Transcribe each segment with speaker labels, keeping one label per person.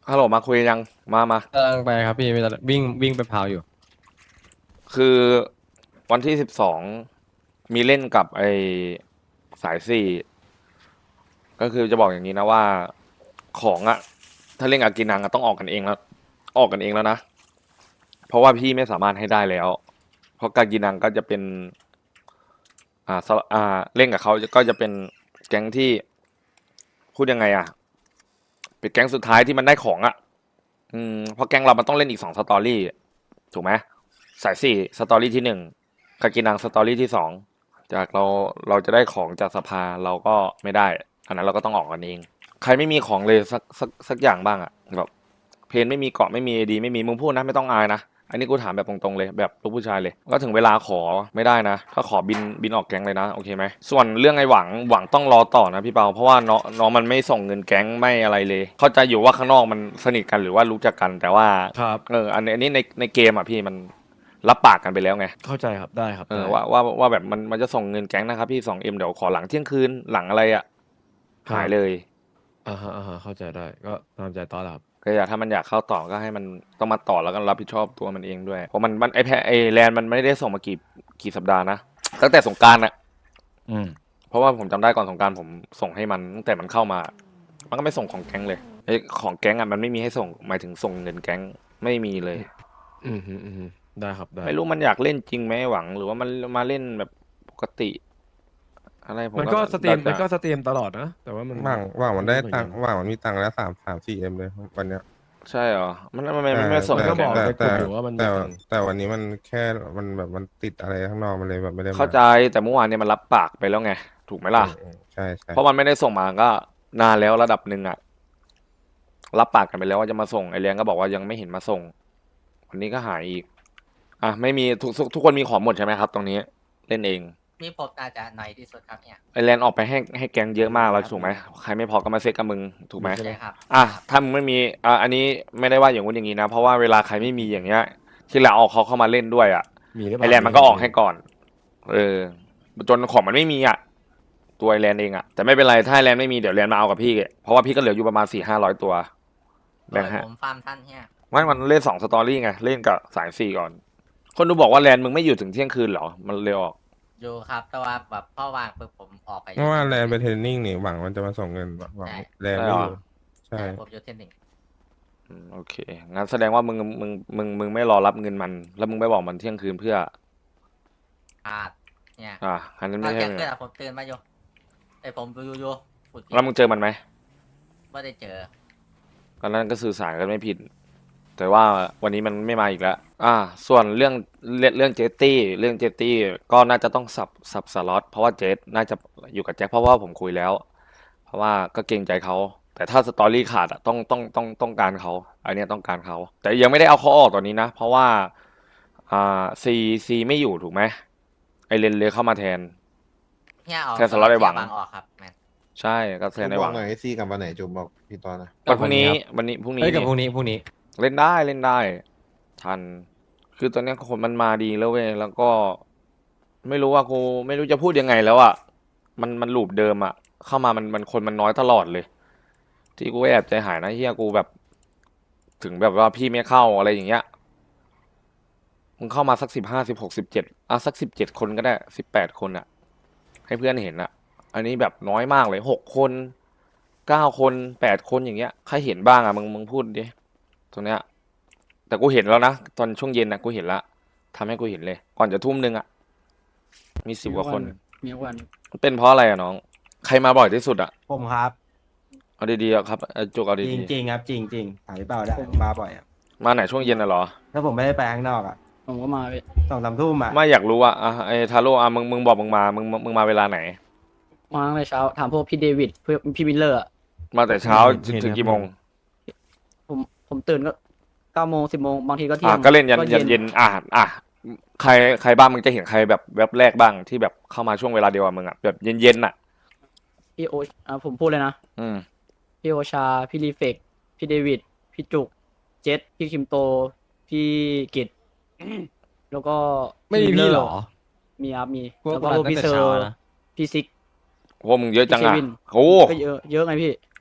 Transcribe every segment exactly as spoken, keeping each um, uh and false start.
Speaker 1: ฮัลโหลมาคุยยังมามา
Speaker 2: กำลังไปครับพี่วิ่งวิ่งไปพาวอยู่
Speaker 1: คือวันที่สิบสองมีเล่นกับไอสายสี่ก็คือจะบอกอย่างนี้นะว่าของอะถ้าเล่นกับกินังอะต้องออกกันเองแล้วออกกันเองแล้วนะเพราะว่าพี่ไม่สามารถให้ได้แล้วเพราะกากินังก็จะเป็นอ่าสอ่าเล่นกับเขาก็จะเป็นแก๊งที่พูดยังไงอะเป็นแก๊งสุดท้ายที่มันได้ของอะอืมเพราะแก๊งเรามันต้องเล่นอีกสองสตอรี่ถูกไหมสายสี่สตอรี่ที่หนึ่งกากินังสตอรี่ที่สอง จากเราเราจะได้ของจากสภาเราก็ไม่ได้อันนั้นเราก็ต้องออกกันเองใครไม่มีของเลยสักสักสักอย่างบ้างอะแบบเพนไม่มีเกาะไม่มีดีไม่มีมึงพูดนะไม่ต้องอายนะอันนี้กูถามแบบตรงๆเลยแบบลูกผู้ชายเลยก็ถึงเวลาขอไม่ได้นะถ้าขอบินบินออกแก๊งเลยนะโอเคไหมส่วนเรื่องไอ้หวังหวังต้องรอต่อนะพี่เปาเพราะว่าน้องน้องมันไม่ส่งเงินแก๊งไม่อะไรเลยเข้าใจอยู่ว่าข้างนอกมันสนิทกันหรือว่ารู้จักกันแต่ว่า
Speaker 2: ครับ
Speaker 1: เอออันนี้อันนี้ในในเกมอ่ะพี่มันรับปากกันไปแล้วไง
Speaker 2: เข้าใจครับได้ครับ
Speaker 1: เออ
Speaker 2: ได้
Speaker 1: ว่าว่าว่าแบบมันมันจะส่งเงินแก๊งนะครับพี่สองเอ็มเดี๋ยวขอหลังเที่ยงคืนหลังอะไรอ่ะ
Speaker 2: ครับ
Speaker 1: หายเลย
Speaker 2: อ่าฮะอ่าฮะเข้าใจได้ก็ตามใจตอนแหละครับ
Speaker 1: ก็อยากถ้ามันอยากเข้าต่อก็ให้มันต้องมาต่อแล้วก็รับผิดชอบตัวมันเองด้วยเพราะมันมันไอแพไอแลนมันไม่ได้ส่งมากี่กี่สัปดาห์นะตั้งแต่สงกรานต์อ่ะ
Speaker 2: อืม
Speaker 1: เพราะว่าผมจำได้ก่อนสงกรานต์ผมส่งให้มันตั้งแต่มันเข้ามามันก็ไม่ส่งของแก๊งเลยไอของแก๊งอ่ะมันไม่มีให้ส่งหมายถึงส่งเงินแก๊งไม่มีเลย
Speaker 2: อืมอืมอืมได้ครับได้
Speaker 1: ไม่รู้มันอยากเล่นจริงไหมหวังหรือว่ามันมาเล่นแบบปกติอะไรผม
Speaker 2: มัน
Speaker 1: ก็
Speaker 2: ก็สตรี
Speaker 1: เราจะ
Speaker 2: มมันก็สตรีมตลอดนะแต่ว่ามัน
Speaker 3: หว่างหว่างมันได้
Speaker 2: ไม่รู้เหมือนกัน
Speaker 3: ตังค์หว่างมันมีตังค์แล้วสามสามสี่เอ็มเลยวันเนี้ย
Speaker 1: ใช่เหรอมันมันมัน
Speaker 3: แต่
Speaker 1: มันไม่ส่ง
Speaker 3: แต่
Speaker 2: มันก็บอก
Speaker 1: เงินแก๊ง
Speaker 3: แต่แต่
Speaker 2: ในกลุ่มอยู่ว่ามันมี
Speaker 3: แต่
Speaker 2: ตังค์
Speaker 3: แต่วันนี้มันแค่มันแบบมันติดอะไรข้างนอกมันเลยแบบไม่ได้มา
Speaker 1: เข้าใจแต่เมื่อวานเนี่ยมันรับปากไปแล้วไงถูกไหมล่ะ
Speaker 3: อืมอืมใช่ใช่
Speaker 1: เพราะมันไม่ได้ส่งมาก็นานแล้วระดับหนึ่งอะรับปากกันไปแล้วว่าจะมาส่งไอเลี้ยงก็บอกว่ายังไม่เห็นมาส่งวันนี้ก็หายอีกอ่ะไม่มีทุกทุกทุกคนมีของหมดใช่ไหมครับตรงนี้เล่นเอง
Speaker 4: มีผมน่าจะหน่อยที่สุดครับเนี่ย
Speaker 1: ไอแลนออกไปให้ให้แก๊งเยอะมากแล้วถูกไหมใครไม่พอก็มาเซ็ตกับมึงถูกไหม
Speaker 2: ใช่ไหม
Speaker 4: ใช่ครับ
Speaker 1: อ่ะถ้ามึงไม่มีอ่ะอันนี้ไม่ได้ว่าอย่างงู้นอย่างนี้นะเพราะว่าเวลาใครไม่มีอย่างเงี้ยที่เราเอาเขาเข้ามาเล่นด้วยอ่ะ
Speaker 2: มีหรือเป
Speaker 1: ไอ
Speaker 2: ล่า
Speaker 1: แลนด์มันก็ออกให้ก่อน เออ จนของมันไม่มีอ่ะ ตัวไอแลนด์เองอ่ะ แต่ไม่เป็นไร ถ้าไอแลนด์ไม่มีเดี๋ยวแลนด์มาเอากับพี่ เพราะว่าพี่ก็เหลืออยู่ประมาณสี่ห้าร้อยตัว
Speaker 4: โด
Speaker 1: แบ่ง
Speaker 4: ย
Speaker 1: ให้
Speaker 4: ผมฟาร์มท่านเนี่ย
Speaker 1: ไม่มันเล่นสองสตอรี่ไง เล่นกับสายสี่ก่อน คนดูบอกว่าแลนด์มึงไม่อยู่ถึงเที่ยงคืนเหรอ มันเร็วออก
Speaker 4: อยู่ครับแต่ว่าแบบพ่อวางปุ๊บผมออกไป
Speaker 3: เพราะว่าแลนไปเทรนนิ่งนี่หวังมันจะมาส่งเงินหวังแลนไม่อยู่ใช่
Speaker 4: ใช่ผมอยู่เทนนิง
Speaker 1: อืมโอเค งั้นแสดงว่ามึงมึงมึงมึงไม่รอรับเงินมัน แล้วมึงไปบอกมันเที่ยงคืนเพื่อ
Speaker 4: อาดเนี่ย
Speaker 1: อ่าอันนั้น
Speaker 4: ตอ
Speaker 1: ไม่
Speaker 4: น
Speaker 1: ใช่
Speaker 4: เที่ยง
Speaker 1: เงิ
Speaker 4: คืน
Speaker 1: น
Speaker 4: อะผมตื่นมาอยู่ไอผมดูอยู่อยู่พูดผิด
Speaker 1: แล้วมึงเจอมันไหม
Speaker 4: ไม่ได้เจอ
Speaker 1: ตอนนั้นก็สื่อสารกันไม่ผิด แต่ว่าวันนี้มันไม่มาอีกแล้ว อ่า ส่วนเรื่องเรื่องเรื่องเจตตี้เรื่องเจตตี้ก็น่าจะต้องสับสับสล็อตเพราะว่าเจตน่าจะอยู่กับแจ็คเพราะว่าผมคุยแล้ว เพราะว่าก็เกรงใจเขา แต่ถ้าสตอรี่ขาดอ่ะต้องต้องต้องต้องการเขาอันเนี้ยต้องการเขา แต่ยังไม่ได้เอาเขาออกตอนนี้นะ เพราะว่าอ่าซีซีไม่อยู่ถูกไหมไอเลนเลยเข้ามาแทน
Speaker 4: เนี่ยออก
Speaker 1: แค่สล็อตไอ้หวัง
Speaker 4: เที่ยออกครับแมน
Speaker 1: ใช่ก็แทนในหวัง
Speaker 5: หน่อยไอซี่กับวันไหนจุมบอกพี่ตอนนะ
Speaker 1: วันพรุ่งนี้วันนี้พรุ่งนี้
Speaker 2: เฮ้ยกับ
Speaker 1: นี่
Speaker 2: พวกนี้พวกนี้
Speaker 1: เล่นได้เล่นได้ทัน คือตอนเนี้ยคนมันมาดีแล้วเว้ยแล้วก็ไม่รู้ว่ากูไม่รู้จะพูดยังไงแล้วอ่ะมันมันลูปเดิมอ่ะเข้ามามันมันคนมันน้อยตลอดเลย ที่กูแอบใจหายนะเฮียกูแบบ ถึงแบบว่าพี่ไม่เข้าอะไรอย่างเงี้ยมึงเข้ามาสักสิบห้าสิบหกสิบเจ็ดอ่ะสักสิบเจ็ดคนก็ได้สิบแปดคนอ่ะ ให้เพื่อนเห็นอ่ะ อันนี้แบบน้อยมากเลยหกคนเก้าคนแปดคนอย่างเงี้ยใครเห็นบ้างอ่ะมึงมึงพูดดิตรงเนี้ย แต่กูเห็นแล้วนะตอนช่วงเย็นนะกูเห็นละทำให้กูเห็นเลย ก่อนจะทุ่มหนึ่งอ่ะ มีสิบกว่าคน
Speaker 6: มีวัน
Speaker 1: มันเป็นเพราะอะไรอ่ะน้อง ใครมาบ่อยที่สุดอ่ะ
Speaker 6: ผมครับ
Speaker 1: เอาดีๆอะครับเอาจุกเอา
Speaker 6: จริ
Speaker 1: ดี
Speaker 6: งจริงครับ จริงจริงถามพี่เปาได้มาบ่อยอ่ะ
Speaker 1: ๆมาไหนช่วงเย็นน่ะเหรอ
Speaker 6: ถ้าผมไม่ได้ไปข้างนอกอ่ะ
Speaker 7: ผมก็มาพี่
Speaker 6: สองสามทุ่มอ่ะ
Speaker 1: ไม่อยากรู้อ่ะอ่ะไอ้ทาโร่อ่ะมึงมึงบอกมึงมามึงมึงมาเวลาไหน
Speaker 7: มาตั้งแต่เช้าถามพวกพี่เดวิดเพื่อพี่วิลเลอร์อะ
Speaker 1: มาแต่เช้า
Speaker 2: เห็น
Speaker 1: ถึง
Speaker 2: ครับ
Speaker 1: กี่โมง
Speaker 7: ผมผมตื่นก็เก้าโมงสิบโมงบางทีก็เที่
Speaker 1: อ่ะ
Speaker 7: ยง
Speaker 1: ก็เล่นยันยันเย็นอ่ะอ่ะใครใครบ้างมึงจะเห็นใครแบบแว็บแรกบ้างที่แบบเข้ามาช่วงเวลาเดียวกับมึงอ่ะแบบเย็นๆอ่ะ
Speaker 7: พี่โออ่าผมพูดเลยนะ
Speaker 1: อืม
Speaker 7: พี่โอชา พี่รีเฟกพี่เดวิดพี่จุก เจษพี่คิมโต พี่กิตแล้วก็
Speaker 2: ไม่มี
Speaker 7: วิลเล
Speaker 2: พี่
Speaker 7: อร์
Speaker 2: เหรอ
Speaker 7: มีครับมี
Speaker 2: พวก
Speaker 7: แล้วก็
Speaker 2: เรา
Speaker 7: พวกพี่
Speaker 2: ตั้ง
Speaker 7: เซ
Speaker 2: แต่
Speaker 7: อ
Speaker 2: เช้า
Speaker 7: ร์
Speaker 2: นะ
Speaker 7: พี่ซิก
Speaker 1: โหมึงเยอะจังอ่ะ
Speaker 7: พี่เควิน
Speaker 1: โอ้
Speaker 7: ก็เยอะเยอะไงพี่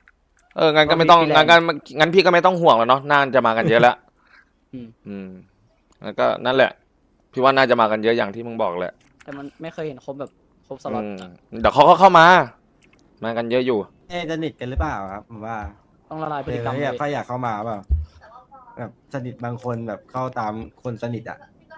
Speaker 1: เอองั้นก็ไม่ต้องงั้นก็งั้นพี่ก็ไม่ต้องห่วงแล้วเนาะน่าจะมากันเยอะแล้ว
Speaker 7: อืม
Speaker 1: อืมแล้วก็นั่นแหละ พี่ว่าน่าจะมากันเยอะอย่างที่มึงบอกแหละ
Speaker 7: แต่มันไม่เคยเห็นครบแบบครบสล็อต
Speaker 1: อืม
Speaker 7: อะ
Speaker 1: เดี๋ยวเขาก็เข้ามา มากันเยอะอยู่
Speaker 6: เอ๊ะจะสนิทกันหรือเปล่าครับผมว่า
Speaker 7: ต้องละลายพฤ
Speaker 6: เอ
Speaker 7: ติ
Speaker 6: อก
Speaker 7: รรม
Speaker 6: อยาก
Speaker 7: เลย
Speaker 6: เขาอยากเข้ามาเปล่าแบบสนิทบางคนแบบเข้าตามคนสนิทอ่ะ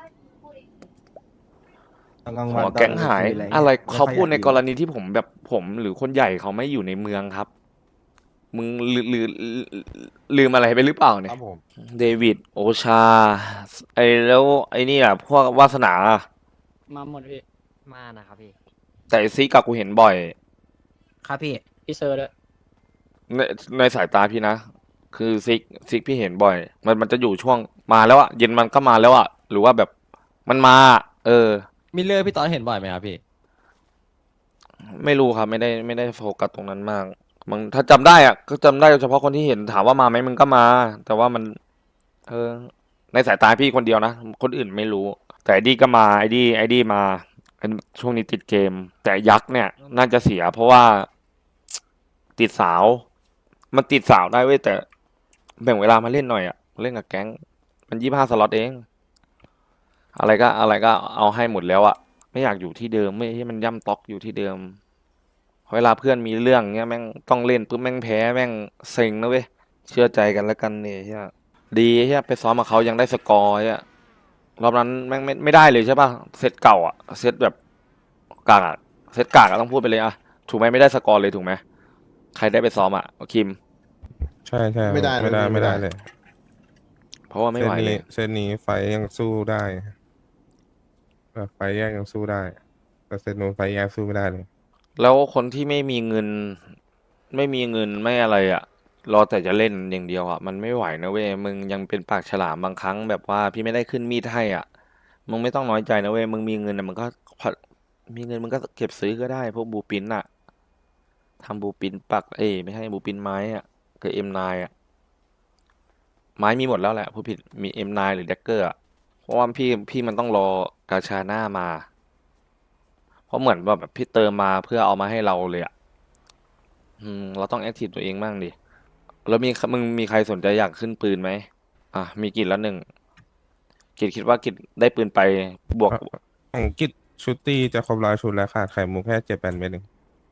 Speaker 6: ตอนกลางวัน
Speaker 1: หัวแก๊งหาย
Speaker 6: ตนกลงคืน
Speaker 1: อะไร
Speaker 6: งี้ย
Speaker 1: เขาพูดใน
Speaker 6: ไม่
Speaker 1: ก
Speaker 6: ค่อย
Speaker 1: ร
Speaker 6: อยาอยู่
Speaker 1: ณีที่ผมแบบผมหรือคนใหญ่เขาไม่อยู่ในเมืองครับ มึงลืมลืมลืมอะไรไปหรือเปล่าเนี่
Speaker 5: ค
Speaker 1: ย
Speaker 5: รับผม
Speaker 1: เดวิดโอชา ไอ้แล้วไอ้นี่อ่ะพวกวาสนา
Speaker 7: มาหมดพี่
Speaker 4: มานะครับพี่
Speaker 1: แต่ซีกับกูเห็นบ่อย
Speaker 4: ครับพี่
Speaker 7: พี่เซอร์ด้วย
Speaker 1: ในในสายตาพี่นะ คือซิกซิกพี่เห็นบ่อย มันมันจะอยู่ช่วงมาแล้วอะเย็นมันก็มาแล้วอะหรือว่าแบบมันมาอะเออ
Speaker 2: มิลเลอร์พี่ตอนเห็นบ่อยไหมครับพี่
Speaker 1: ไม่รู้ครับไม่ได้ไม่ได้โฟกัสตรงนั้นมากมึงถ้าจำได้อะก็จำได้เฉพาะคนที่เห็นถามว่ามาไหมมึงก็มา แต่ว่ามัน เออ ในสายตาพี่คนเดียวนะ คนอื่นไม่รู้ แต่ไอดีก็มาไอดีไอดีมาช่วงนี้ติดเกม แต่ยักษ์เนี่ย น่าจะเสีย เพราะว่า ติดสาว มันติดสาวได้เว้ยแต่แบ่งเวลามาเล่นหน่อยอะเล่นกับแก๊ง มันยี่ห้าสล็อตเอง อะไรก็อะไรก็เอาให้หมดแล้วอะไม่อยากอยู่ที่เดิมไม่ให้มันย่ำต๊อกอยู่ที่เดิม เวลาเพื่อนมีเรื่องเงี้ยแม่งต้องเล่นปุ๊บแม่งแพ้แม่งเซ็งนะเว้ยเชื่อใจกันแล้วกันเนี่ยเฮียดีเฮียไปซ้อมกับเขายังได้สกอร์เฮียรอบนั้นแม่งไม่ไม่ได้เลยใช่ป่ะเซตเก่าอะเซตแบบกากอะเซตกากอะต้องพูดไปเลยอะถูกไหมไม่ได้สกอร์เลยถูกไหมใครได้ไปซ้อมอะคิม
Speaker 3: ใช่ใช่
Speaker 5: ไม่ได้
Speaker 3: ไม่ได้
Speaker 5: เลย
Speaker 3: ไม่ได้
Speaker 5: ไม่ได้
Speaker 3: เลย
Speaker 1: เพราะว่าไม่
Speaker 3: เส้
Speaker 1: ไห
Speaker 3: น
Speaker 1: วเล
Speaker 3: นี้
Speaker 1: ย
Speaker 3: เส้นนี้ไฟยังสู้ได้แบบไฟแยกยังสู้ได้ แต่เส้นนู้นไฟแยกสู้ไม่ได้เลย
Speaker 1: แล้วคนที่ไม่มีเงิน ไม่มีเงินไม่อะไรอะรอแต่จะเล่นอย่างเดียวอะมันไม่ไหวนะเว้ยมึงยังเป็นปากฉลามบางครั้งแบบว่าพี่ไม่ได้ขึ้นมีดให้อ่ะมึงไม่ต้องน้อยใจนะเว้ยมึงมีเงินอะมึงก็พอมีเงินมึงก็เก็บซื้อก็ได้พวกบูปินอะทำบูปินปักเอ้ยไม่ใช่บูปินไม้อะกับเอ็มไนอะไม้มีหมดแล้วแหละผู้ผิดมีเอ็มไนหรือแดกเกอร์อะเพราะว่าพี่พี่มันต้องรอกาชาหน้ามา เพราะเหมือนว่าแบบพี่เติมมาเพื่อเอามาให้เราเลยอ่ะ อืม เราต้องแอคทีฟตัวเองบ้างดิ แล้วมีมึงมีใครสนใจอยากขึ้นปืนไหม อ่ะ มีกิจละหนึ่ง กิจคิดว่ากิจได้ปืนไปบวก
Speaker 3: ของกิจชุดตีจะครบร้อยชุดแล้วขาดไข่มุกแค่เจ็ดแปดเม็ดเอง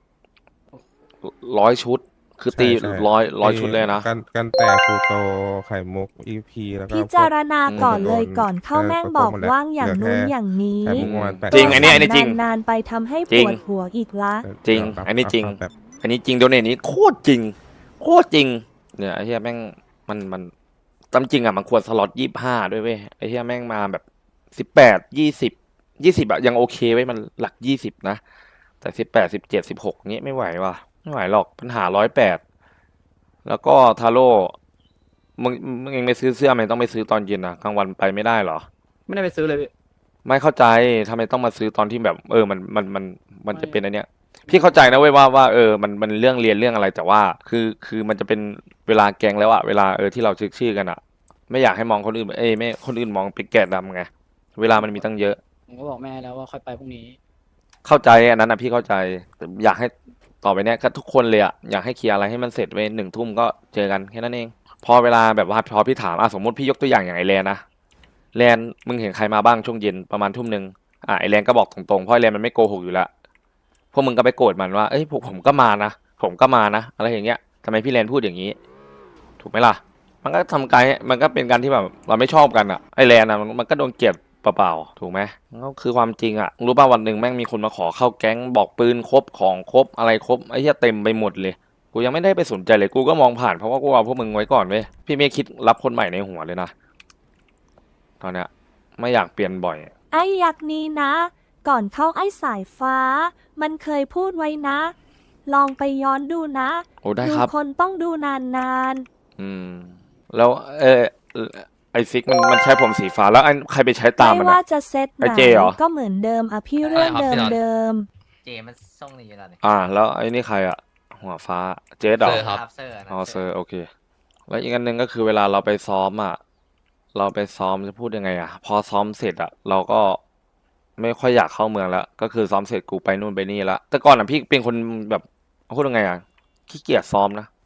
Speaker 1: ร้อยชุด คือตี
Speaker 3: ใช่ใช่
Speaker 1: ร้อยร้อย
Speaker 3: ไ
Speaker 1: ชุดเลยนะ
Speaker 3: กันกันแต่คูโตไข่มุกอีพีแล้วก็
Speaker 8: พิ
Speaker 3: พวก
Speaker 8: จารณาก่อนเลย
Speaker 3: โดน
Speaker 8: ก่อนเข้า
Speaker 3: เออ
Speaker 8: แม่ง
Speaker 3: ก็
Speaker 8: บอก
Speaker 3: หมดแล้ว
Speaker 8: ว่างอย่าง
Speaker 3: เหลือ
Speaker 8: นู้น
Speaker 3: แค่
Speaker 8: อย่างนี้
Speaker 3: ไข่มุกประมาณแปด
Speaker 1: จริงอันนี้อันนี้จริง
Speaker 8: นานๆไปทำให้
Speaker 1: จริ
Speaker 8: ป
Speaker 1: ง
Speaker 8: วดหัวอีกละ
Speaker 1: จริง
Speaker 3: เดี๋ยว
Speaker 1: อันนี้จริง
Speaker 3: แบบ
Speaker 1: อันนี้จริงโดเนทนี้โคตรจริง โคตรจริง เนี่ยไอ้เหี้ยแม่งมันมันตามจริงอ่ะมันควรสล็อตยี่ห้าด้วยเว้ยไอ้เหี้ยแม่งมาแบบสิบแปดยี่สิบยี่สิบอะยังโอเคไว้ยมันหลักยี่สิบนะ แต่สิบแปดสิบเจ็ดสิบหกเงี้ยไม่ไหวว่ะไม่ไหวหรอกปัญหาร้อยแปดแล้วก็ทาโร่มึงมึงเองไม่ซื้อเสื้อมันต้องไปซื้อตอนเย็นอะกลางวันไปไม่ได้เหรอ
Speaker 7: ไม่ได้ไปซื้อเลยพี่
Speaker 1: ไม่เข้าใจทำไมต้องมาซื้อตอนที่แบบ เออมันมันมันมันจะเป็นอันเนี้ย พี่เข้าใจนะเว้ยว่าว่าเออมันมันเรื่องเรียนเรื่องอะไรแต่ว่า คือคือมันจะเป็นเวลาแกงแล้วอะเวลาเออที่เราชื่อชื่อกันอะไม่อยากให้มองคนอื่นเอ้ยไม่คนอื่นมองเป็นแกะดำไงเวลามันมีตั้งเยอะ
Speaker 7: ผมก็บอกแม่แล้วว่าค่อยไปพรุ่งนี้
Speaker 1: เข้าใจอันนั้นนะพี่เข้าใจแต่อยากให้ต่อไปเนี้ยก็ทุกคนเลยอะอยากให้เคลียร์อะไรให้มันเสร็จไว้หนึ่งทุ่มก็เจอกันแค่นั้นเอง พอเวลาแบบว่าพอพี่ถามอ่ะสมมติพี่ยกตัวอย่างอย่างไอแลนนะแลนมึงเห็นใครมาบ้างช่วงเย็นประมาณทุ่มหนึ่งอ่ะไอแลนก็บอกตรงๆเพราะไอแลนมันไม่โกหกอยู่แล้วพวกมึงก็ไปโกรธมันว่าเอ้ยพวกผมก็มานะผมก็มานะอะไรอย่างเงี้ยทำไมพี่แลนพูดอย่างนี้ ถูกไหมล่ะ มันก็ทำการมันก็เป็นการที่แบบเราไม่ชอบกันอะไอแลนอะมันมันก็โดนเกลียดเปล่าๆถูกไหมมันก็คือความจริงอะรู้ป่ะวันหนึ่งแม่งมีคนมาขอเข้าแก๊งบอกปืนครบของครบอะไรครบไอ้เหี้ยเต็มไปหมดเลย กูยังไม่ได้ไปสนใจเลยกูก็มองผ่านเพราะว่ากูเอาพวกมึงไว้ก่อนเว้ยพี่ไม่คิดรับคนใหม่ในหัวเลยนะตอนเนี้ยไม่อยากเปลี่ยนบ่อย
Speaker 8: ไอ้ยักษ์นี้นะ ก่อนเข้าไอ้สายฟ้า มันเคยพูดไว้นะ ลองไปย้อนดูนะ
Speaker 1: โอ้ได้
Speaker 8: ดู
Speaker 1: ครับ
Speaker 8: คนต้องดูนาน
Speaker 1: อืม แล้วเออไอซิกมันมันใช้ผมสีฟ้าแล้วไอ้ใครไปใช้
Speaker 8: ๆ
Speaker 1: ตาม
Speaker 8: ไม่
Speaker 1: มัน
Speaker 8: ว่า
Speaker 1: อะ
Speaker 8: จะเซตไห
Speaker 1: ไอ้
Speaker 8: น
Speaker 1: เจเหรอ
Speaker 8: ก็เหมือนเดิมอ่ะพี่เรื่องเดิมเดิม
Speaker 4: เจมันส่งนี่อยู่แล้วนี่
Speaker 1: อ่า แล้วไอ้นี่ใครอะหัวฟ้าเจสเหรอ
Speaker 2: เซอร์ครับ
Speaker 4: เซอร์นะ
Speaker 1: อ๋อเซอร์โอเค แล้วอีกอันหนึ่งก็คือเวลาเราไปซ้อมอ่ะ เราไปซ้อมจะพูดยังไงอ่ะ พอซ้อมเสร็จอ่ะ เราก็ไม่ค่อยอยากเข้าเมืองแล้ว ก็คือซ้อมเสร็จกูไปนู่นไปนี่ละแต่ก่อนอ่ะพี่เป็นคนแบบพูดยังไงอ่ะขี้เกียจซ้อมนะ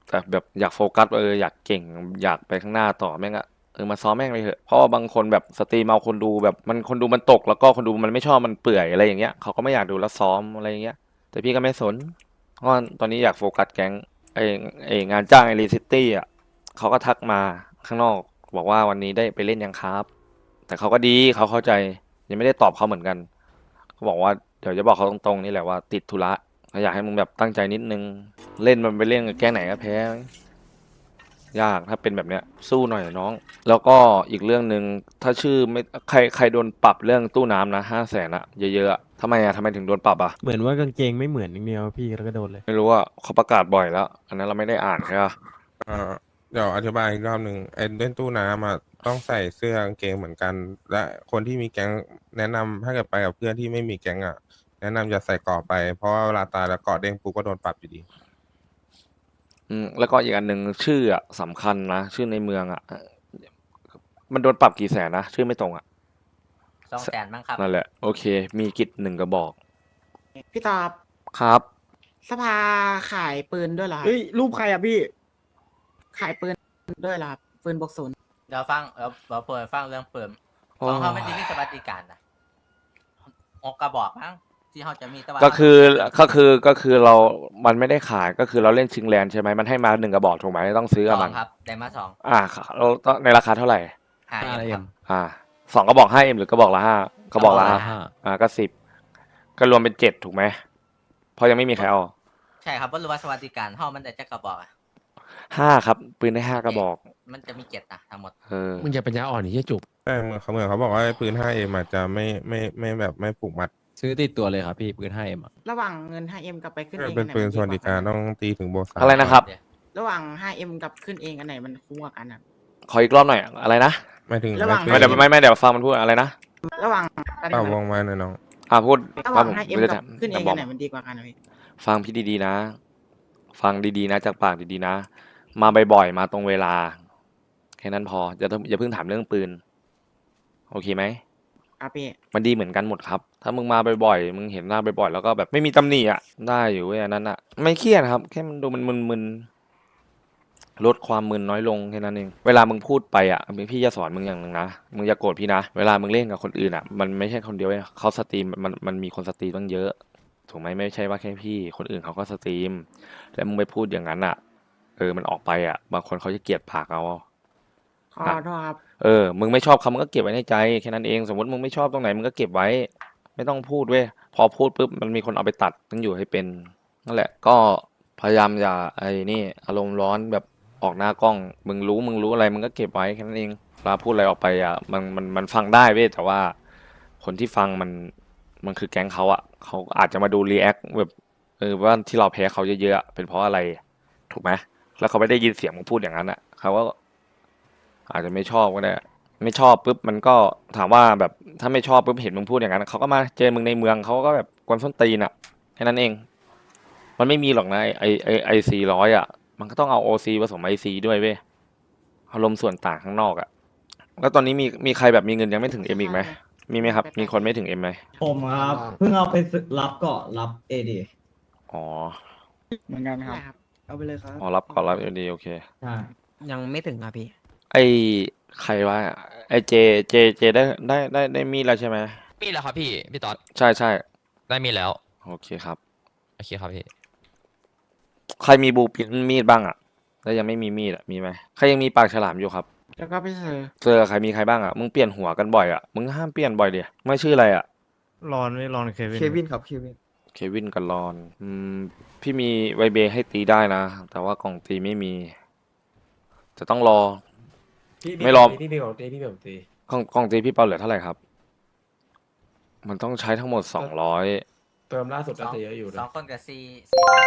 Speaker 1: แต่แบบอยากโฟกัสเอออยากเก่งอยากไปข้างหน้าต่อแม่งอะเออมาซ้อมแม่งเลยเถอะเพราะว่าบางคนแบบสตรีมเอาคนดูแบบมันคนดูมันตกแล้วก็คนดูมันไม่ชอบมันเปื่อยอะไรอย่างเงี้ยเขาก็ไม่อยากดูแล้วซ้อมอะไรอย่างเงี้ยแต่พี่ก็ไม่สนเพราะว่าตอนนี้อยากโฟกัสแก๊งไอไองานจ้างไอรีซิตี้อ่ะเขาก็ทักมาข้างนอกบอกว่าวันนี้ได้ไปเล่นยังครับแต่เขาก็ดีเขาเข้าใจยังไม่ได้ตอบเขาเหมือนกันเขาบอกว่าเดี๋ยวจะบอกเขาตรงๆนี่แหละว่าติดธุระเขาอยากให้มึงแบบตั้งใจนิดนึงเล่นมันไปเล่นกับแก๊งไหนก็แพ้ยากถ้าเป็นแบบเนี้ยสู้หน่อยน้องแล้วก็อีกเรื่องหนึ่งถ้าชื่อไม่ใครใครโดนปรับเรื่องตู้น้ำนะห้าแสนอะเยอะๆอะทำไมอะทำไมถึงโดนปรับอะ
Speaker 2: เหมือนว่ากางเกงไม่เหมือนอย่างเดียวพี่แล้วก็โดนเลย
Speaker 1: ไม่รู้ว่าเขาประกาศบ่อยแล้ว อันนั้นเราไม่ได้อ่านใช่ปะ
Speaker 3: เอ่อเดี๋ยวอธิบายอีกรอบหนึ่งไอ้เล่นตู้น้ำอะต้องใส่เสื้อกางเกงเหมือนกัน และคนที่มีแก๊งแนะนำถ้าเกิดไปกับเพื่อนที่ไม่มีแก๊งอะแนะนำจะใส่เกราะไปเพราะว่าเวลาตายแล้วเกราะเด้งปุ๊บก็โดนปรับอยู่ดี
Speaker 1: อืมแล้วก็อีกอันหนึ่งชื่ออะสำคัญนะ ชื่อในเมืองอะมันโดนปรับกี่แสนนะ ชื่อไม่ตรงอะ
Speaker 4: สองแสนมั้งครับ
Speaker 1: นั่นแหละ โอเค มีกิจหนึ่งกระบอก
Speaker 9: พี่ตอบ
Speaker 1: ครับ
Speaker 9: สภาขายปืนด้วยเหรอครับ
Speaker 7: เฮ้ย รูปใครอ่ะพี่
Speaker 9: ขายปืนด้วยเหรอครับปืนบวกศูนย์
Speaker 4: เดี๋ยวฟังเดี๋ยวเราเปิดฟังเรื่องเปิม
Speaker 1: โอ้
Speaker 4: ของเขาไม่ได้มีสวัสดิการนะอกกระบอกมั้งที่เขาจะมีแต่ว่า
Speaker 1: ก็คือก็คือก็คือเรา มันไม่ได้ขายก็คือเราเล่นชิงแลนด์ใช่ไหมมันให้มาหนึ่งกระบอกถูกไหมต้องซื้อ
Speaker 4: ส
Speaker 1: กับ
Speaker 4: อ
Speaker 1: มั
Speaker 4: ง
Speaker 1: น
Speaker 4: ครับได้มาสอง
Speaker 1: อ่าเราต้องในราคาเท่าไหร่
Speaker 4: ห้าเอ็มครับ
Speaker 1: อ่าสองกระบอกห้าเอ็มหรือกระบอกละห้ากระบอกละ
Speaker 4: กระบอกละ
Speaker 1: ห้า
Speaker 4: ห้า
Speaker 1: อ่าก็สิบก็รวมเป็นเจ็ดถูกไหมเพราะยังไม่มีใครเอา
Speaker 4: ใช่ครับว่ารู้ว่าสวัสดิการเขามันแต่จะกระบอกอะ
Speaker 1: ห้าครับปืนได้ห้ากระบอก
Speaker 4: มันจะมีเจ็ดนะทั้งหมด
Speaker 1: เออ
Speaker 2: มึงอย่าปัญญาอ่อนนี่จุก
Speaker 3: แต่เหมือนเขาเหมือนเขาบอกว่าปืน ห้าเอ็ม อาจจะไม่ไม่ไม่แบบไม่ผูกมัด
Speaker 2: ซื้อติดตัวเลยครับพี่ปืน ห้าเอ็ม อ่ะ
Speaker 9: ระหว่างเงิน ห้าเอ็ม กับไปขึ้นเอง
Speaker 3: เป็น
Speaker 9: อัไห
Speaker 3: ปืน
Speaker 9: มั
Speaker 3: สวัสดิการต้องตีถึงโบสาม
Speaker 1: อะไรนะครับ
Speaker 9: ระหว่าง ห้าเอ็ม กับขึ้นเองอันไหนมันคุ้มกว่ากันครับ
Speaker 1: ขออีกรอบหน่อยอะไรนะ
Speaker 3: ไม่ถึง
Speaker 9: ระหว่าง
Speaker 1: ไม่เดี๋ยวไม่ไม่เดี๋ยวฟังมันพูดอะไรนะ
Speaker 9: ระหว่าง
Speaker 3: เป่าวงมาหน่อยน้อง
Speaker 1: อ่าพูด
Speaker 9: ระหว่าง
Speaker 1: ผม
Speaker 9: ห้าเอ็ม
Speaker 1: ไม่ได้
Speaker 9: กับขึ้นเอง
Speaker 1: บ
Speaker 9: อั
Speaker 1: อก
Speaker 9: นไหนมันดีกว่ากันนะพี่
Speaker 1: ฟังพี่ดีๆนะ ฟังดีๆนะจากปากดีๆนะ มาบ่อยๆมาตรงเวลาแค่นั้นพออย่าอย่าเพิ่งถามเรื่องปืน โอเคไหม
Speaker 9: ครับพี่
Speaker 1: มันดีเหมือนกันหมดครับ ถ้ามึงมาบ่อยๆ มึงเห็นหน้าบ่อยๆ แล้วก็แบบไม่มีตำหนิอ่ะ ได้อยู่เว้ยอันนั้นอ่ะ ไม่เครียดครับ แค่มันดูมันมึนๆ ลดความมึนน้อยลงแค่นั้นเอง เวลามึงพูดไปอ่ะพี่จะสอนมึงอย่างหนึ่งนะ มึงอย่าโกรธพี่นะ เวลามึงเล่นกับคนอื่นอ่ะ มันไม่ใช่คนเดียวเว้ยเขาสตรีมมันมันมีคนสตรีมตั้งเยอะ ถูกไหมไม่ใช่ว่าแค่พี่ คนอื่นเขาก็สตรีม แล้วมึงไปพูดอย่างนั้นอ่ะ เออ มันออกไปอ่ะ บางคนเขาจะเกลียดปากเอา
Speaker 9: ขอโทษครับ
Speaker 1: เออ มึงไม่ชอบเขามึงก็เก็บไว้ในใจแค่นั้นเอง สมมติมึงไม่ชอบตรงไหนมึงก็เก็บไว้ ไม่ต้องพูดเว้ย พอพูดปุ๊บมันมีคนเอาไปตัดต้องอยู่ให้เป็น นั่นแหละ ก็พยายามอย่าไอ้นี่อารมณ์ร้อนแบบออกหน้ากล้อง มึงรู้มึงรู้อะไรมึงก็เก็บไว้แค่นั้นเองเวลาพูดอะไรออกไปอ่ะมันมันมันฟังได้เว้ยแต่ว่า คนที่ฟังมันมันคือแก๊งเขาอ่ะเขาอาจจะมาดูรีแอคแบบเออว่าที่เราแพ้เขาเยอะๆอะเป็นเพราะอะไร ถูกไหมแล้วเขาไม่ได้ยินเสียงมึงพูดอย่างนั้นอ่ะเขาก็ อาจจะไม่ชอบก็ได้ ไม่ชอบปุ๊บมันก็ถามว่าแบบถ้าไม่ชอบปุ๊บเห็นมึงพูดอย่างนั้นเขาก็มาเจอมึงในเมืองเขาก็แบบกวนส้นตีนอ่ะแค่นั้นเอง มันไม่มีหรอกนะไอไอไอซีร้อยอ่ะ มันก็ต้องเอาโอซีผสมไอซีด้วยเว้ยอารมณ์ส่วนต่างข้างนอกอ่ะ แล้วตอนนี้มีมีใครแบบมีเงินยังไม่ถึงเอ็มอีกไหมมีไหมครับ มีคนไม่ถึงเอ็มไหม
Speaker 10: ผมครับ เพิ่งเอาไปซื้อรับเกาะรับเอดี
Speaker 1: อ๋อ
Speaker 6: เหมือนกันครับ
Speaker 9: ได้ครับ
Speaker 6: เอาไปเลยครับ
Speaker 1: อ๋อรับก่อนรับดีโอเค
Speaker 10: ใช่
Speaker 4: ยังไม่ถึงครับพี่
Speaker 1: ไอใครวะไอเจเจเจได้ได้ได้ได้มีดแล้วใช่ไหม
Speaker 11: มีแล้วครับพี่ พี่ต๊อด
Speaker 1: ใช่ใช่
Speaker 11: ได้มีแล้ว
Speaker 1: โอเคครับ
Speaker 11: โอเคครับพี่
Speaker 1: ใครมีบูปินมีดบ้างอ่ะ แล้วยังไม่มีมีดอ่ะ มีไหมใครยังมีปากฉลามอยู่ครับ
Speaker 9: แล้วก็ไปเซอร์
Speaker 1: เจอใครมีใครบ้างอ่ะ มึงเปลี่ยนหัวกันบ่อยอ่ะ มึงห้ามเปลี่ยนบ่อยเดียไม่ชื่ออะไรอ่ะ
Speaker 2: รอนไม่รอนเควิน
Speaker 6: เควินครับ เควิน
Speaker 1: เควินกับรอน อืม พี่มีไวเบให้ตีได้นะ แต่ว่ากล่องตีไม่มี จะต้องรอ ไม่รอ
Speaker 2: พี่พี่บอกตีพี่บอกตี
Speaker 1: กล่องกล่องตีพี่เปาเหลือเท่าไหร่ครับ มันต้องใช้ทั้งหมดสองร้อย
Speaker 2: เติมล่าสุด
Speaker 4: สอง
Speaker 2: จะเยอะอยู่
Speaker 4: ส
Speaker 2: นะ
Speaker 4: องคนกับซีซีร้อย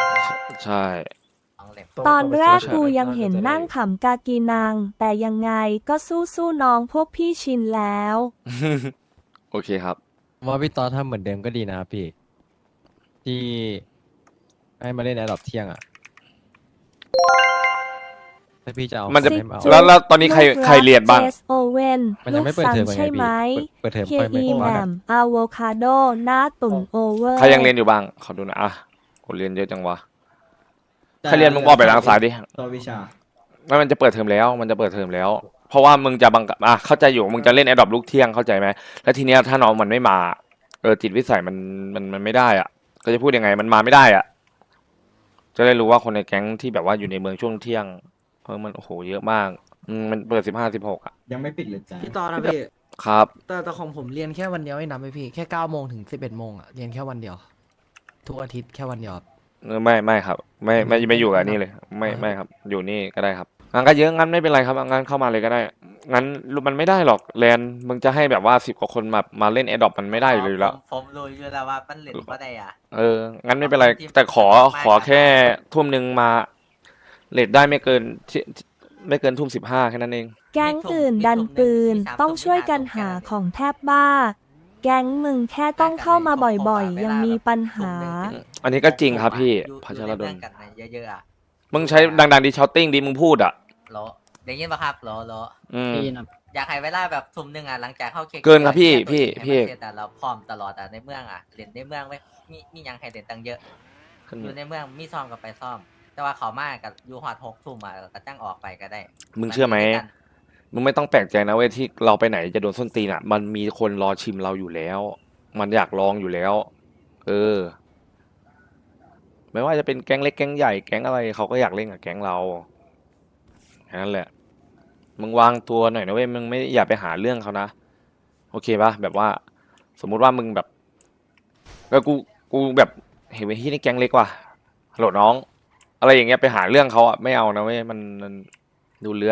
Speaker 1: ใช่
Speaker 4: สองเล่ม
Speaker 8: ตอนแรกกูยังเห็นนั่งขำกากีนัง แต่ยังไงก็สู้สู้ๆน้องพวกพี่ชินแล้ว
Speaker 1: โอเคครับ
Speaker 2: ว่าพี่ต๊อดทำเหมือนเดิมก็ดีนะครับพี่ ที่ให้มาเล่นแอร์ดรอปเที่ยงอ่ะถ้าพี่จะเอา
Speaker 1: มันจะ
Speaker 2: ให้มาเอา
Speaker 1: แล้วแล้วตอนนี้ใครใครเรียนบ้าง
Speaker 8: เจสโอเว่น
Speaker 2: มันยั
Speaker 8: ลู
Speaker 2: ง
Speaker 8: ก
Speaker 2: ไม่เปิด
Speaker 8: ซัน
Speaker 2: เทอมไง
Speaker 8: ใช่ไหม
Speaker 2: พี่เปิดเทอม
Speaker 8: เค
Speaker 2: ค่อยไม่
Speaker 8: อี
Speaker 2: ค่อย
Speaker 8: แห
Speaker 2: ว่า
Speaker 8: ม
Speaker 2: กัน
Speaker 8: มอะโวคาโดหน้าตุ่นโอเวอร์
Speaker 1: ใครยังเรียนอยู่บ้าง ขอดูหนะอ่ะกูเรียนเยอะจังวะ
Speaker 10: แต่
Speaker 1: ใครเรียนมึงออกไปทางซ้ายดิ
Speaker 10: ตัววิชา
Speaker 1: ไม่มันจะเปิดเทอมแล้ว มันจะเปิดเทอมแล้ว เพราะว่ามึงจะบังคับอ่ะเข้าใจอยู่มึงจะเล่นแอดดอปลูกเที่ยงเข้าใจไหมแล้วทีเนี้ยถ้าน้องมันไม่มาเออจิตวิสัยมันมันมันไม่ได้อ่ะ ก็จะพูดยังไงมันมาไม่ได้อ่ะ จะได้รู้ว่าคนในแก๊งที่แบบว่าอยู่ในเมืองช่วงเที่ยงเพราะมันโอ้โหเยอะมากอืมมันเปิดสิบห้าสิบหกอ่ะ
Speaker 10: ยังไม่ปิดเลยจ้ะ
Speaker 9: พี่ตอนนะพี่
Speaker 1: ครับ
Speaker 9: แต่แต่ของผมเรียนแค่วันเดียวไม่นับไปพี่แค่เก้าโมงถึงสิบเอ็ดโมงอ่ะเรียนแค่วันเดียว ทุกอาทิตย์แค่วันเดียวครับ
Speaker 1: เออไม่ไม่ครับ ไม่ไม่ไม่อยู่กับนี่เลย ไม่ไม่ครับ อยู่นี่ก็ได้ครับงั้นก็เยอะงั้นไม่เป็นไรครับงั้นเข้ามาเลยก็ได้งั้นมันไม่ได้หรอกแลนมึงจะให้แบบว่าสิบกว่าคนมามาเล่นแอดดอปมันไม่ได้อยู่แล้ว
Speaker 4: ผมผมรู้อยู่แล้วว่ามันเล่นบ่ได้อ่ะ
Speaker 1: เออ งั้นไม่เป็นไร แต่ขอขอแค่ทุ่มหนึ่งมาเลทได้ไม่เกินที่ไม่เกินทุ่มสิบห้าแค่นั้นเอง
Speaker 8: แก๊งอื่นดันปืนต้องช่วยกันหาของแทบบ้า แก๊งมึงแค่ต้องเข้ามาบ่อยๆ ยังมีปัญหา
Speaker 1: อันนี้ก็จริงครับพี่
Speaker 4: อยู่
Speaker 1: พัช
Speaker 4: อยู่
Speaker 1: ร
Speaker 4: ใน
Speaker 1: ด
Speaker 4: เมื
Speaker 1: ล
Speaker 4: องกันนะเยอะๆอ่ะ
Speaker 1: มึงใช้ดังๆดีชาวติ้งดีมึงพูดอ่ะ
Speaker 4: โหลได้ยินปะครับโหลโหล
Speaker 1: อืม
Speaker 7: ปีนะ
Speaker 4: อยากให้เวลาแบบทุ่มหนึ่งอ่ะหลังจากเข้าเค้ก
Speaker 1: เกินครับพี่พี่
Speaker 4: ให้
Speaker 1: พี่
Speaker 4: มันเสร็จอ่ะเราพร้อมตลอดอ่ะในเมืองอ่ะเล่นในเมืองไว้มีมีหยังให้เล่นตั้งเยอะ อยู่ในเมืองมีซ่อมกับไปซ่อม แต่ว่าเขามากับอยู่ฮอดหกทุ่มอ่ะก็จ้างออกไปก็ได้
Speaker 1: มึงเชื่อไหม
Speaker 4: นด้กัน
Speaker 1: มึงไม่ต้องแปลกใจนะเว้ยที่เราไปไหนจะโดนส้นตีนอ่ะ มันมีคนรอชิมเราอยู่แล้ว มันอยากลองอยู่แล้ว เออ ไม่ว่าจะเป็นแก๊งเล็กแก๊งใหญ่แก๊งอะไรเขาก็อยากเล่นกับแก๊งเราแค่นั้นแหละ มึงวางตัวหน่อยนะเว้ยมึงไม่อย่าไปหาเรื่องเขานะโอเคปะแบบว่า สมมุติว่ามึงแบบก็กูกูแบบเห็นไอ้ที่นี่แก๊งเล็กว่ะฮัลโหลน้อง อะไรอย่างเงี้ยไปหาเรื่องเขาอ่ะไม่เอานะเว้ยมันมันดูเลื้อน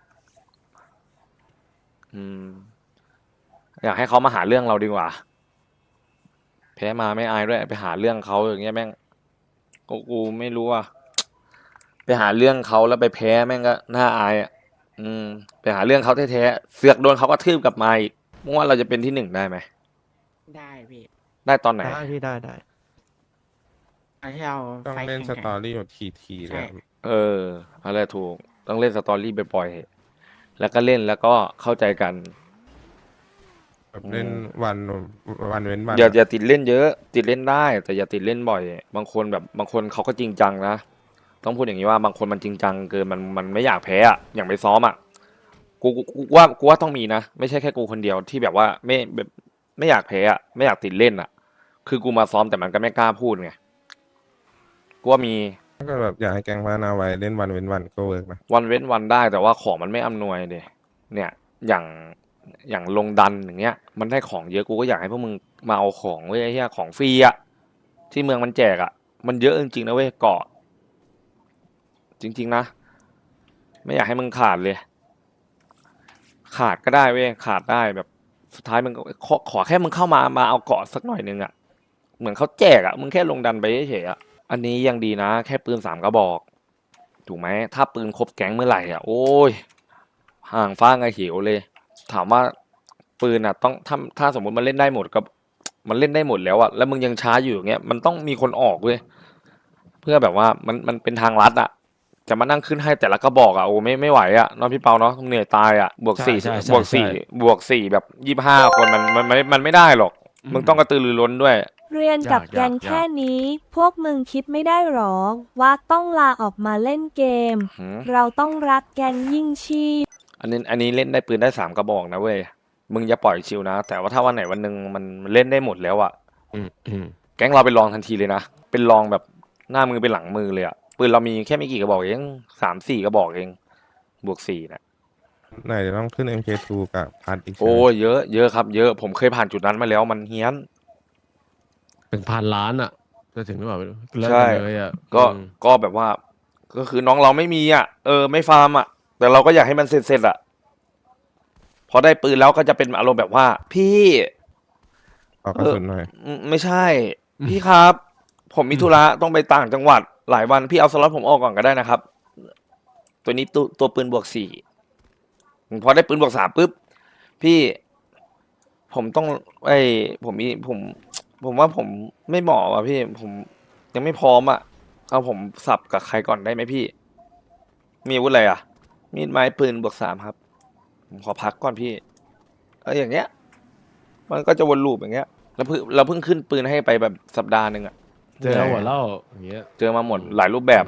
Speaker 1: อืม อยากให้เขามาหาเรื่องเราดีกว่า แพ้มาไม่อายด้วยไปหาเรื่องเขาอย่างเงี้ยแม่งกูกูไม่รู้อ่ะไปหาเรื่องเขาแล้วไปแพ้แม่งก็น่าอายอ่ะอืม ไปหาเรื่องเขาแท้ๆเสือกโดนเขาก็ทืบกลับมาอีกมึงว่าเราจะเป็นที่หนึ่งได้ไหม
Speaker 9: ได้พี่
Speaker 1: ได้ตอนไหน
Speaker 2: ได้พี่ได้ได้
Speaker 9: เอาที่เรา
Speaker 3: ต้อง
Speaker 9: ไฟท์
Speaker 3: เล่นส
Speaker 9: แข่งๆ
Speaker 3: ตอรี่แบบทีๆ
Speaker 9: ใช่
Speaker 3: เลย
Speaker 1: เอออะไรถูกต้องเล่นสตอรี่บ่อยๆแล้วก็เล่นแล้วก็เข้าใจกัน
Speaker 3: แบบเล่นวันวันเว้นวัน
Speaker 1: อย่าอย่าติดเล่นเยอะ ติดเล่นได้ แต่อย่าติดเล่นบ่อย บางคนแบบบางคนเขาก็จริงจังนะต้องพูดอย่างนี้ว่าบางคนมันจริงจังเกินมันมันไม่อยากแพ้อะอย่างไปซ้อมอะกูกูกูว่ากูว่าต้องมีนะไม่ใช่แค่กูคนเดียวที่แบบว่าไม่แบบไม่อยากแพ้อะไม่อยากติดเล่นอะคือกูมาซ้อมแต่มันก็ไม่กล้าพูดไงกูว่ามี
Speaker 3: ถ้าเกิดแบบอยากให้แกงพัฒนาไว้เล่นวันเว้นวันก็เวิร์กนะ
Speaker 1: วันเว้นวันได้แต่ว่าของมันไม่อำนวยเดยเนี่ยอย่างอย่างลงดันอย่างเงี้ย มันได้ของเยอะกูก็อยากให้พวกมึงมาเอาของเว้ยไอ้เหี้ยของฟรีอะที่เมืองมันแจกอะมันเยอะจริงๆนะเว้ยเกาะจริง ๆนะไม่อยากให้มึงขาดเลย ขาดก็ได้เว้ยขาดได้แบบสุดท้ายมึงก็ขอขอแค่มึงเข้ามามาเอาเกาะสักหน่อยนึงอะเหมือนเขาแจกอะมึงแค่ลงดันไปเฉยๆอะอันนี้ยังดีนะ แค่ปืนสามกระบอก ถูกไหมถ้าปืนครบแก๊งเมื่อไหร่อ่ะโอ้ยห่างฟ้าไงเหียวเลย ถามว่าปืนอ่ะต้องถ้าถ้าสมมติมันเล่นได้หมดก็มันเล่นได้หมดแล้วอ่ะแล้วมึงยังช้าอยู่อย่างเงี้ยมันต้องมีคนออกเว้ยเพื่อแบบว่ามันมันเป็นทางลัดอ่ะจะมานั่งขึ้นให้แต่ละกระบอกอ่ะโอ้ไม่ไม่ไหวอ่ะน้องพี่เปาเนาะเหนื่อยตายอ่ะบวก
Speaker 2: ใช่
Speaker 1: สี่
Speaker 2: ใช่ใช่
Speaker 1: บวกสี่
Speaker 2: ใช่
Speaker 1: บวกสี่แบบยี่สิบห้าคนมันมันมันมันไม่ได้หรอก มึงต้องกระตือรือร้นด้วย
Speaker 8: เรียนกับ
Speaker 2: ยาก
Speaker 8: แก๊ง
Speaker 2: ยาก
Speaker 8: แค่นี้ พวกมึงคิดไม่ได้หรอ ว่าต้องลาออกมาเล่นเกม
Speaker 1: หืม
Speaker 8: เราต้องรักแก๊งยิ่งชีพ
Speaker 1: อันนี้อันนี้เล่นได้ปืนได้สามกระบอกนะเว้ย มึงอย่าปล่อยชิวนะ แต่ว่าถ้าวันไหนวันหนึ่งมันมันเล่นได้หมดแล้วอะ
Speaker 2: อืมอืม
Speaker 1: แก๊งเราเป็นรองทันทีเลยนะ เป็นรองแบบหน้ามือเป็นหลังมือเลยอะปืนเรามีแค่ไม่กี่กระบอกเองสามสี่กระบอกเอง บวกสี่นะ
Speaker 3: ไหนจะต้องขึ้น เอ็ม เค ทู กับพัดอีกใช่ไหม
Speaker 1: โอ้ยเยอะเยอะครับ เยอะ ผมเคยผ่านจุดนั้นมาแล้วมันเฮี้ยน
Speaker 2: เป็นพันล้านอ่ะ จะถึงหรือเปล่าไม่รู้เลิก
Speaker 1: ใช่
Speaker 2: กันเลยอ่ะ
Speaker 1: ก็
Speaker 2: อืม
Speaker 1: ก็แบบว่า ก็คือน้องเราไม่มีอะเออ ไม่ฟาร์มอะแต่เราก็อยากให้มันเสร็จเสร็จอะพอได้ปืนแล้วก็จะเป็นอารมณ์แบบว่า พี่
Speaker 3: ขอกระสุนหน่อย
Speaker 1: อืมไม่ใช่ พี่ครับ ผมมีธุระต้องไปต่างจังหวัดหลายวันพี่เอาสล็อตผมออกก่อนก็ได้นะครับ ตัวนี้ตัวตัวปืนบวกสี่พอได้ปืนบวกสามปุ๊บพี่ ผมต้องไอผมมีผม ผมว่าผมไม่เหมาะอ่ะพี่ ผมยังไม่พร้อมอ่ะเอาผมสับกับใครก่อนได้ไหมพี่ มีอาวุธอะไรอ่ะ มีดไม้ปืนบวกสามครับ ผมขอพักก่อนพี่เอออย่างเงี้ย มันก็จะวนลูปอย่างเงี้ย แล้วเพิ่งเราเพิ่งขึ้นปืนให้ไปแบบสัปดาห์หนึ่งอ่ะ
Speaker 2: เจอหัวเล่าอย่างเงี้ย
Speaker 1: เจอมาหมดหลายรูปแบบอ่ะ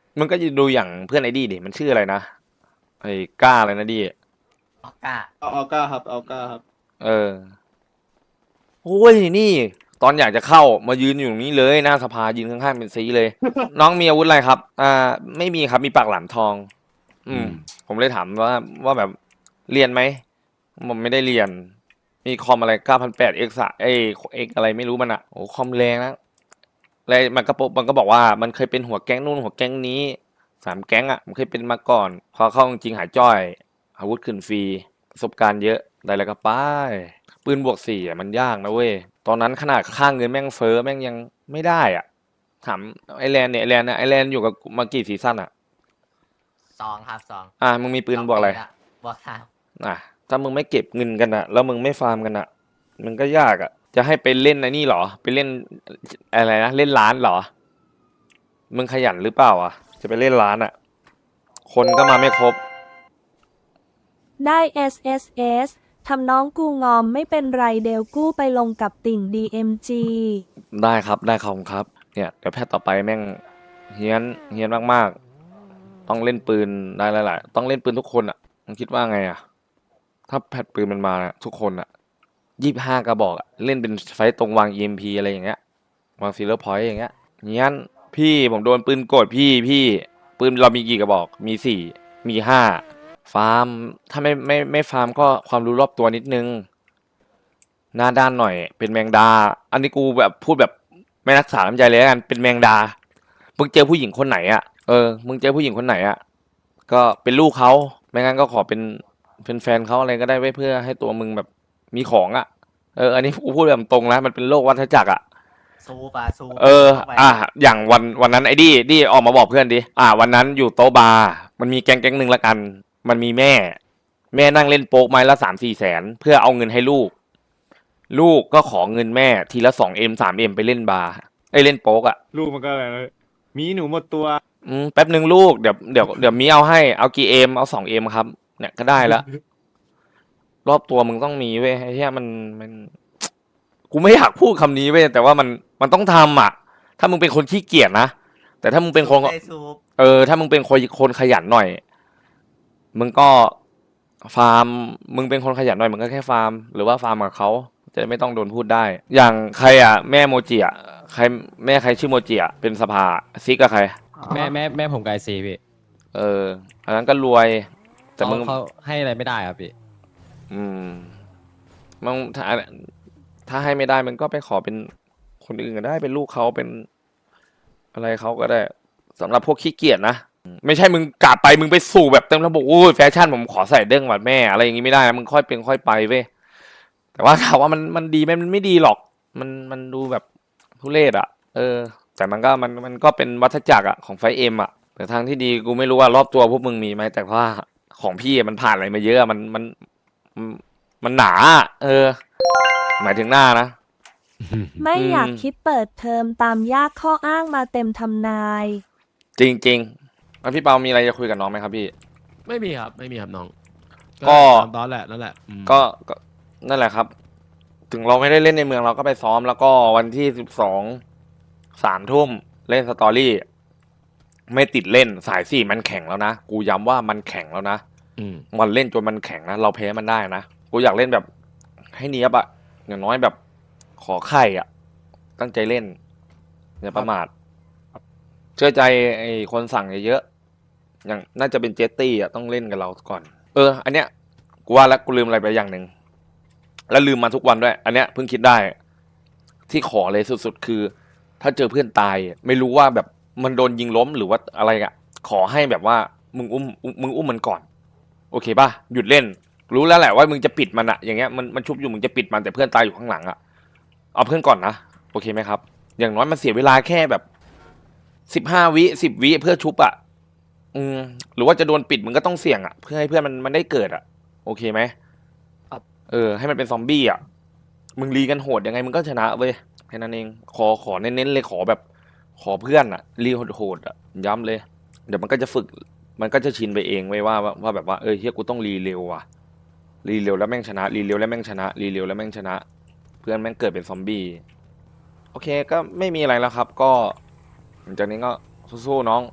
Speaker 1: มึงก็ดูอย่างเพื่อนไอ้ดีดิมันชื่ออะไรนะไอ้ก้าอะไรนะดี
Speaker 4: ออกก้า
Speaker 10: เอาเอาก้าครับเอาก้าครับ
Speaker 1: เออโอ้ยนี่ ตอนอยากจะเข้ามายืนอยู่ตรงนี้เลยหน้าสภายืนข้างๆเป็นซีเลย น้องมีอาวุธอะไรครับ อ่า ไม่มีครับมีปากหลามทอง อืม ผมเลยถามว่าว่าแบบเรียนไหมผมไม่ได้เรียน มีคอมอะไรเก้าพันแปดเอ็กซ์เอเอ็กอะไรไม่รู้มันอะโอ้คอมแรงนะแล้วมันก็มันก็บอกว่ามันเคยเป็นหัวแก๊งนู่นหัวแก๊งนี้สามแก๊งอะมันเคยเป็นมาก่อน พอเข้าจริงหายจ้อย อาวุธขึ้นฟรีประสบการณ์เยอะได้แล้วก็ไปปืนบวกสี่อะมันยากนะเว้ยตอนนั้นขนาดค่าเงินแม่งเฟ้อแม่งยังไม่ได้อ่ะถามไอแลนด์เนี่ยไอแลนด์นะไอแลนด์อยู่กับมากี่ซีซั่นอ่ะ
Speaker 4: สองครับสอง
Speaker 1: อ่ะมึงมีปืนบวกอะไร
Speaker 4: สงปีลบวกสาม
Speaker 1: อ่ะถ้ามึงไม่เก็บเงินกันอ่ะแล้วมึงไม่ฟาร์มกันอ่ะมันก็ยากอ่ะจะให้ไปเล่นไอ้นี่เหรอไปเล่นอะไรนะเล่นร้านเหรอมึงขยันหรือเปล่าอ่ะจะไปเล่นร้านอ่ะคนก็มาไม่ครบ
Speaker 8: ได้ เอส เอส เอส ทำน้องกูงอมไม่เป็นไรเดลกู้ไปลงกับติ่ง ดี เอ็ม จี
Speaker 1: ได้ครับได้ขอบคุณครับเนี่ยเดี๋ยวแพทย์ต่อไปแม่งเฮี้ยนเฮี้ยนมากๆต้องเล่นปืนได้หลายๆต้องเล่นปืนทุกคนอ่ะมึงคิดว่าไงอ่ะถ้าแพทย์ปืนมันมาน่ะทุกคนอ่ะยี่สิบห้ากระบอกอ่ะเล่นเป็นไฟต์ตรงวาง อี เอ็ม พี อะไรอย่างเงี้ยวางซีเลอร์พอยต์อย่างเงี้ยเฮี้ยนพี่ผมโดนปืนกดพี่พี่ปืนเรามีกี่กระบอกมีสี่มีห้าฟาร์มถ้าไม่ไม่ไม่ฟาร์มก็ความรู้รอบตัวนิดนึงหน้าด้านหน่อยเป็นแมงดา อันนี้กูแบบพูดแบบไม่รักษาน้ำใจเลยแล้วกันเป็นแมงดามึงเจอผู้หญิงคนไหนอ่ะเออมึงเจอผู้หญิงคนไหนอ่ะก็เป็นลูกเขาไม่งั้นก็ขอเป็นเป็นแฟนเขาอะไรก็ได้ไว้เพื่อให้ตัวมึงแบบมีของอ่ะเอออันนี้กูพูดแบบตรงนะมันเป็นโลกวัฏจักรอ่ะ
Speaker 4: ซูปะซู
Speaker 1: เออ
Speaker 4: ข้าไป
Speaker 1: อ่ะอย่างวันวันนั้นไอ้ดี้ดี้ออกมาบอกเพื่อนดิอ่าวันนั้นอยู่โต๊ะบาร์มันมีแก๊งแก๊งหนึ่งละกัน มันมีแม่ แม่นั่งเล่นโป๊กไม้ละสามสี่แสนเพื่อเอาเงินให้ลูก ลูกก็ขอเงินแม่ทีละสองเอ็มสามเอ็มไปเล่นบาร์ไอ้ยเล่นโป๊กอ่ะ
Speaker 6: ลูกมันก็อะไรนะมีหนูหมดตัว
Speaker 1: อืมแป๊บหนึ่งลูกเดี๋ยวเดี๋ยวเดี๋ยวมีเอาให้เอากี่เอ็มเอาสองเอ็มครับ เนี่ยก็ได้แล้วรอบตัวมึงต้องมีเว้ยไอ้เหี้ยมันมัน กูไม่อยากพูดคำนี้เว้ยแต่ว่ามันมันต้องทำอ่ะ ถ้ามึงเป็นคนขี้เกียจนะแต่ถ้ามึงเป็นคน
Speaker 4: ได้ซูป
Speaker 1: เออถ้ามึงเป็นคนคนขยันหน่อย มึงก็ฟาร์ม มึงเป็นคนขยันหน่อยมึงก็แค่ฟาร์ม หรือว่าฟาร์มกับเขาจะไม่ต้องโดนพูดได้ อย่างใครอ่ะแม่โมจิอ่ะใครแม่ใครชื่อโมจิอ่ะเป็นสภาซิกกับใคร
Speaker 2: แม่แม่แม่ผมไกลซีพี่
Speaker 1: เอออันนั้นก็รวย แต่
Speaker 2: เขา
Speaker 1: มึง
Speaker 2: เขาให้อะไรไม่ได้ครับพี่
Speaker 1: อืมมึงถ้าถ้าให้ไม่ได้มึงก็ไปขอเป็นคนอื่นก็ได้เป็นลูกเขาเป็นอะไรเขาก็ได้สำหรับพวกขี้เกียจนะไม่ใช่มึงกลับไปมึงไปสู่แบบเต็มระบบโอ้ยแฟชั่นผมขอใส่เด้งหวัดแม่อะไรอย่างงี้ไม่ได้นะมึงค่อยเป็นค่อยไปเว้ยแต่ว่าถามว่ามันมันดีไหมมันไม่ดีหรอก มันมันดูแบบทุเรศอ่ะ เออ แต่มันก็มันมันก็เป็นวัฏจักรอ่ะของไฟเอ็มอ่ะแต่ทางที่ดีกูไม่รู้ว่ารอบตัวพวกมึงมีไหมแต่ว่าของพี่มันผ่านอะไรมาเยอะมันมันมันมันหนาอะเออ หมายถึงหน้านะ
Speaker 8: ไม่อยาก
Speaker 1: อืม
Speaker 8: คิดเปิดเทอมตามยากข้ออ้างมาเต็มทำนาย
Speaker 1: จริงๆแล้วพี่เปามีอะไรจะคุยกับน้องไหมครับพี่
Speaker 12: ไม่มีครับ ไม่มีครับน้อง
Speaker 1: ก็
Speaker 12: ตามตอนแหละนั่นแหละอืม
Speaker 1: ก็ก็นั่นแหละครับ ถึงเราไม่ได้เล่นในเมืองเราก็ไปซ้อมแล้วก็วันที่สิบสองสามทุ่มเล่นสตอรี่ ไม่ติดเล่นสายสี่มันแข็งแล้วนะ กูย้ำว่ามันแข็งแล้วนะ
Speaker 12: อืม
Speaker 1: มันเล่นจนมันแข็งนะ เราแพ้มันได้นะ กูอยากเล่นแบบให้เนี้ยบอะอย่างน้อยแบบขอไข่อะตั้งใจเล่นอย่าประมาทเชื่อใจไอ้คนสั่งเยอะๆอย่างน่าจะเป็นเจตตี้อะต้องเล่นกับเราก่อน เออ อันเนี้ยกูว่าแล้วกูลืมอะไรไปอย่างหนึ่งแล้วลืมมาทุกวันด้วย อันเนี้ยเพิ่งคิดได้ ที่ขอเลยสุดๆคือ ถ้าเจอเพื่อนตายไม่รู้ว่าแบบมันโดนยิงล้มหรือว่าอะไรอะขอให้แบบว่ามึงอุ้มมึงอุ้มมันก่อน โอเคป่ะหยุดเล่น รู้แล้วแหละว่ามึงจะปิดมันอะอย่างเงี้ยมันมันชุบอยู่มึงจะปิดมันแต่เพื่อนตายอยู่ข้างหลังอะเอาเพื่อนก่อนนะโอเคไหมครับ อย่างน้อยมันเสียเวลาแค่แบบสิบห้าวิสิบวิเพื่อชุบอะอืมหรือว่าจะโดนปิดมึงก็ต้องเสี่ยงอะเพื่อให้เพื่อนมันมันได้เกิดอะโอเคไหมเออ ให้มันเป็นซอมบี้อะมึงรีกันโหดยังไงมึงก็ชนะเว้ยแค่นั้นเองขอขอเน้นๆเลยขอแบบ ขอเพื่อนอะรีโหดๆอะย้ำเลย เดี๋ยวมันก็จะฝึก มันก็จะชินไปเองไว้ว่าว่าว่าแบบว่าเออเฮียกูต้องรีเร็วว่ะรีเร็วแล้วแม่งชนะรีเร็วแล้วแม่งชนะรีเร็วแล้วแม่งชนะ เพื่อนแม่งเกิดเป็นซอมบี้โอเคก็ไม่มีอะไรแล้วครับ ก็หลังจากนี้ก็สู้ๆน้อง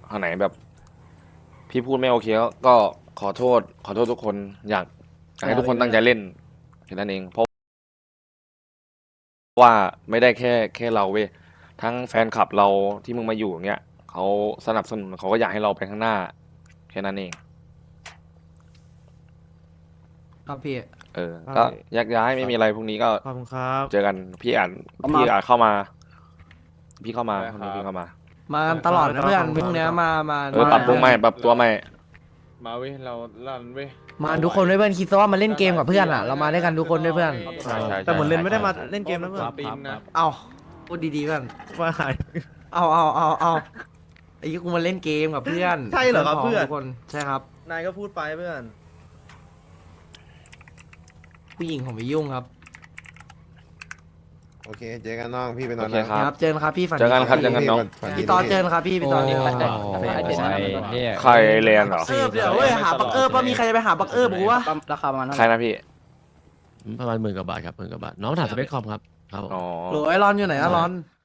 Speaker 1: อันไหนแบบ พี่พูดไม่โอเคก็ก็ขอโทษ ขอโทษทุกคนอยากอยากให้ทุกคนตั้งใจเล่นแค่นั้นเองเพราะว่าไม่ได้แค่แค่เราเว้ยทั้งแฟนคลับเราที่มึงมาอยู่อย่างเงี้ยเขาสนับสนุนเขาก็อยากให้เราไปข้างหน้าแค่นั้นเอง
Speaker 9: ครับพี่
Speaker 1: เออ ก็แยกย้ายไม่มีอะไรพรุ่งนี้ก็
Speaker 2: ขอบคุณครับ
Speaker 1: เจอกันพี่อ่าน
Speaker 7: เอามา
Speaker 1: พี่อ่านเข้ามา พี่เข้ามาพรุ่งนี้พี่เข้ามา
Speaker 9: มากันตลอดนะเพื่อนพรุ่งเนี้ยมามา
Speaker 1: เออปรับปรุงใหม่ปรับตัวใหม่
Speaker 12: มาเว้ยเราลั่นเว้ย
Speaker 9: มาทุกคนด้วยเพื่อนคิดซะว่ามาเล่นเกมกับเพื่อนอ่ะเรามาด้วยกันทุกคนด้วยเพื่อน
Speaker 1: ใช่ใช่
Speaker 2: แต่เหมือนเลนไม่ได้มาเล่นเกมนะเพื่อน
Speaker 12: ปีนนะ
Speaker 9: เอาพูดดีๆเพื่อน
Speaker 2: ว่าหาย
Speaker 9: เอาเอาเอาเอาไอ้ยี่กูมาเล่นเกมกับเพื่อน
Speaker 2: ใช่เหรอครับเพื่อน
Speaker 9: ทุกคนใช่ครับ
Speaker 2: นายก็พูดไปเพื่อน
Speaker 9: ผู้หญิงผมไปยุ่งครับ
Speaker 5: โอเค เจอกันน้อง พี่ไปน
Speaker 1: โอ
Speaker 5: อน
Speaker 1: เค
Speaker 5: นะครับ
Speaker 9: เจอกันครับพี่ฝัน
Speaker 1: เจอกันครับ
Speaker 9: ดี
Speaker 1: เจอกันน้อง
Speaker 5: ฝัดี
Speaker 9: พี่ตอนเจอกันครับพี่พี่ตอน
Speaker 2: โอ้
Speaker 9: นี้
Speaker 2: โหเนี่ย
Speaker 1: ใครเรียนเหรอ
Speaker 9: เออเดี๋ยวเว้ยหาบักเออร์ป่ะมีใครจะไปหาบักเออร์บอกว่า
Speaker 7: ราคาประมาณเท่า
Speaker 1: ใค
Speaker 7: ไห
Speaker 1: ร
Speaker 7: ร่
Speaker 1: นะพี่
Speaker 12: ประมาณหมื่นกว่าบาทครับหมื่นกว่าบาทน้องถามสเปคคอมครับครับผม
Speaker 1: อ๋อ
Speaker 9: โหลไอรอนอยู่ไหนอะรอน